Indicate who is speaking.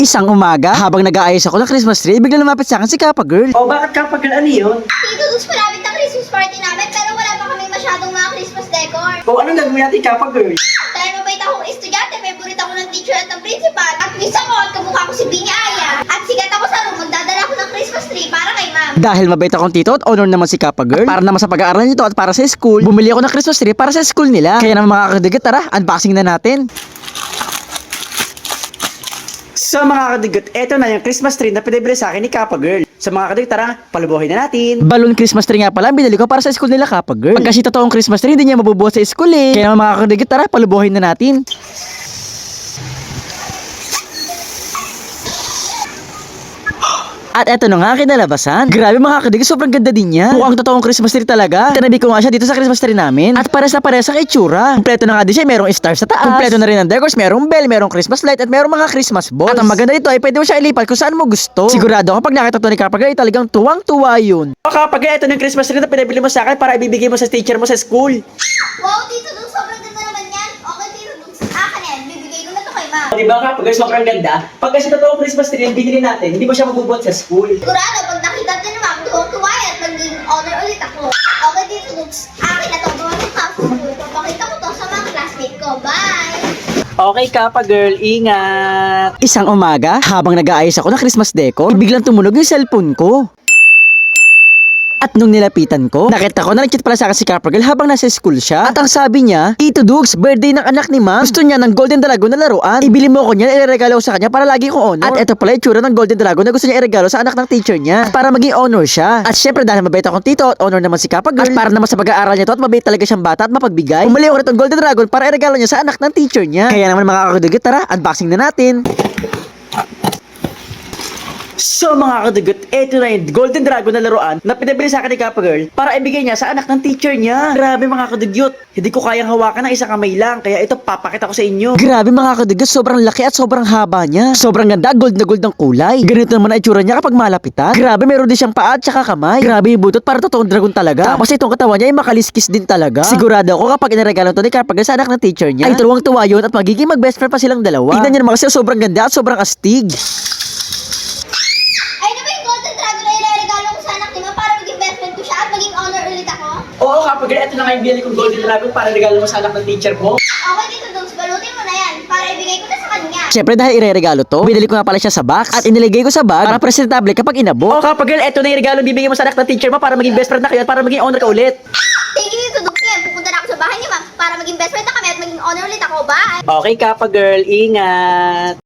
Speaker 1: Isang umaga, habang nag-aayos ako ng Christmas tree, bigla lumapit sa akin si Kappa Girl.
Speaker 2: O bakit Kappa Girl, ano yun?
Speaker 3: Dudus malapit ang Christmas party namin pero wala pa kami masyadong mga Christmas decor.
Speaker 2: O anong gagawin natin Kappa Girl?
Speaker 3: Dahil mabait akong estudyante, favorite ako ng teacher at ng principal. At miss ako at kamukha ko si Binyaya. At sigat ako sa room, magdadala ako ng Christmas tree para kay ma'am.
Speaker 1: Dahil mabait akong tito at honor naman si Kappa Girl, at para naman sa pag-aaral nito at para sa school, bumili ako ng Christmas tree para sa school nila. Kaya naman mga kadigat, tara, unboxing na natin.
Speaker 2: So mga kadigot, eto na yung Christmas tree na pinabili sa akin ni Kappa Girl. So mga kadigot, tara, palubuhin na natin.
Speaker 1: Balloon Christmas tree nga pala, ang binili ko para sa school nila Kappa Girl. Pag kasi totoong Christmas tree, hindi niya mabubuhat sa school eh. Kaya naman mga kadigat, tara, palubuhin na natin. At eto na nga kinalabasan. Grabe mga kadigas, sobrang ganda din niya. Mukhang totoong Christmas tree talaga. Tinabi ko nga siya dito sa Christmas tree namin. At pares na pares sa itsura. Kompleto na nga din siya, merong stars sa taas. Kompleto na rin ang decors, merong bell, merong Christmas light, at merong mga Christmas balls. At ang maganda dito ay pwede mo siya ilipat kung saan mo gusto. Sigurado ako pag nakita to ni Kappa Girl, ay talagang tuwang-tuwa yun.
Speaker 2: O Kappa Girl, eto na yung Christmas tree na pinabili mo sa akin para ibibigay mo sa teacher mo sa school.
Speaker 3: Wow, Tito Dux, sobrang ganda naman yan. Okay, Tito Dux, akin yan. Bibigay ko na to kay ma'am.
Speaker 2: O diba Kappa Girl, sobrang ganda? Pag kasi totoong Christmas tree yung binili natin, hindi mo siya mabubuhat sa school.
Speaker 3: Sigurado, pag nakita din ni ma'am, tuwang-tuwa yan at maging honor ulit ako. Okay, Tito Dux, akin na to. Gawa ng house school. Papakita ko to sa mga classmate ko. Bye!
Speaker 2: Okay Kappa Girl, ingat!
Speaker 1: Isang umaga, habang nag-aayos ako ng Christmas decor, biglang tumunog yung cellphone ko. At nung nilapitan ko, nakita ko na nag-chat pala sa akin si Kappa Girl habang nasa school siya. At ang sabi niya, Tito Dugs, birthday ng anak ni ma'am. Gusto niya ng Golden Dragon na laruan. Ibili mo ko niyan, ireregalo ko sa kanya para lagi kong honor. At eto pala yung tsura ng Golden Dragon na gusto niya iregalo sa anak ng teacher niya. At para maging honor siya. At syempre dahil mabait akong tito at honor naman si Kappa Girl. At para naman sa pag-aaral niya to at mabait talaga siyang bata at mapagbigay. Bumili ako nitong Golden Dragon para iregalo niya sa anak ng teacher niya. Kaya naman mga kakadugit, tara, unboxing na natin.
Speaker 2: So mga kadagot, eto na yung Golden Dragon na laruan na pinabili sa akin ni Kappa Girl para ibigay niya sa anak ng teacher niya. Grabe mga kadagot, hindi ko kayang hawakan ng isang kamay lang, kaya ito papakita ko sa inyo.
Speaker 1: Grabe mga kadigas, sobrang laki at sobrang haba niya. Sobrang ganda, gold na gold ang kulay. Ganito naman ang itsura niya kapag malapitan. Grabe, meron din siyang paa at saka kamay. Grabe yung butot, para totoong dragon talaga. Tapos itong katawan niya ay makaliskis din talaga. Sigurado ako kapag inaregalo to ni Kappa Girl sa anak ng teacher niya, ay tuwang-tuwa yun at magiging mag-best friend pa silang dalawa. Tignan niyo naman kasi sobrang ganda at sobrang astig.
Speaker 3: Ay, na ba yung Golden Dragon na ilalagalo ko sa anak ni ma'am para maging best friend ko siya at maging honor ulit ako?
Speaker 2: Oo Kappa Girl, eto na nga yung binili kong Golden Dragon para regalo mo sa anak ng teacher mo.
Speaker 3: Okay, Tito Dux, balutin mo na yan para ibigay ko na sa kanya.
Speaker 1: Siyempre dahil ireregalo to, binili ko nga pala siya sa box at iniligay ko sa bag para presentable kapag inabot.
Speaker 2: Oo Kappa Girl, eto na yung regalo bibigyan mo sa anak ng teacher mo para maging best friend na kayo at para maging honor ka ulit.
Speaker 3: Thank you, Tito Dux. Yan, pupunta na ako sa bahay ni ma'am para maging best friend na kami at maging honor ulit ako. Bye!
Speaker 2: Okay Kappa Girl, ingat!